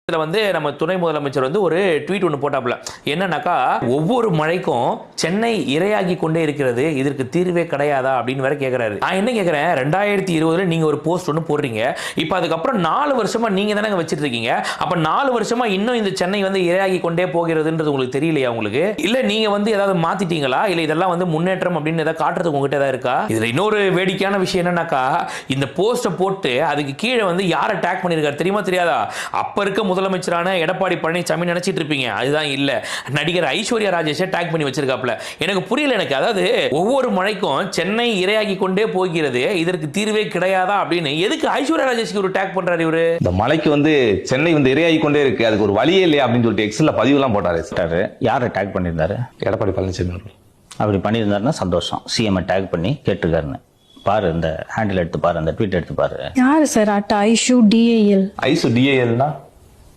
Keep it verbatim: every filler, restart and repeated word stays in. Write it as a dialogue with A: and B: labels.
A: இதுல வந்து நம்ம துணை முதலமைச்சர் வந்து ஒரு ட்வீட் ஒன்று போட்டாப்ல. என்னன்னாக்கா, ஒவ்வொரு மழைக்கும் சென்னை இரையாகி கொண்டே இருக்கிறது, இதற்கு தீர்வே கிடையாதா அப்படின்னு வேற கேட்கிறாரு. நான் என்ன கேட்கிறேன், ரெண்டாயிரத்தி இருபதுல நீங்க ஒரு போஸ்ட் ஒன்று போடுறீங்க. இப்ப அதுக்கப்புறம் நாலு வருஷமா நீங்க தானே வச்சிட்டு இருக்கீங்க. அப்ப நாலு வருஷமா இன்னும் இந்த சென்னை வந்து இரையாகி கொண்டே போகிறதுன்றது உங்களுக்கு தெரியலையா உங்களுக்கு? இல்ல நீங்க வந்து ஏதாவது மாத்திட்டீங்களா? இல்ல இதெல்லாம் வந்து முன்னேற்றம் அப்படின்னு ஏதாவது காட்டுறது உங்ககிட்ட ஏதாவது இருக்கா? இதுல இன்னொரு வேடிக்கையான விஷயம் என்னன்னாக்கா, இந்த போஸ்ட போட்டு அதுக்கு கீழே வந்து யாரை டேக் பண்ணிருக்காரு தெரியுமா தெரியாதா? அப்ப இருக்க முதலமைச்சரான எடப்பாடி பழனிசாமி நினைச்சிட்டு இருப்பீங்க. அதுதான் இல்ல, நடிகர் ஐஸ்வர்யா ராஜேஷை டேக் பண்ணி வச்சிருக்காப்ல. எனக்கு புரியல. எனக்கு அதாவது ஒவ்வொரு மழைக்கும் சென்னை இரையாகி கொண்டே போகிறது, இதற்கு தீர்வே கிடையாதா அப்படின்னு எதுக்கு ஐஸ்வர்யா ராஜேஷ்க்கு ஒரு டேக் பண்றாரு இவரு?
B: இந்த மலைக்கு வந்து சென்னை வந்து இரையாகி கொண்டே இருக்கு, அதுக்கு ஒரு வழியே இல்லையா அப்படின்னு சொல்லிட்டு எக்ஸல்ல பதிவு எல்லாம் போட்டாரு.
C: யாரை டேக் பண்ணியிருந்தாரு?
B: எடப்பாடி பழனிசாமி அவர்கள்.
C: அப்படி பண்ணியிருந்தாருன்னா சந்தோஷம். சிஎம் டேக் பண்ணி கேட்டுருக்காருன்னு பாரு, இந்த ஹேண்டில் எடுத்து பாரு, அந்த ட்வீட் எடுத்து பாரு.
D: யாரு சார்? அட்டா ஐஷு டிஏஎல்
B: ஐசு டிஏஎல்னா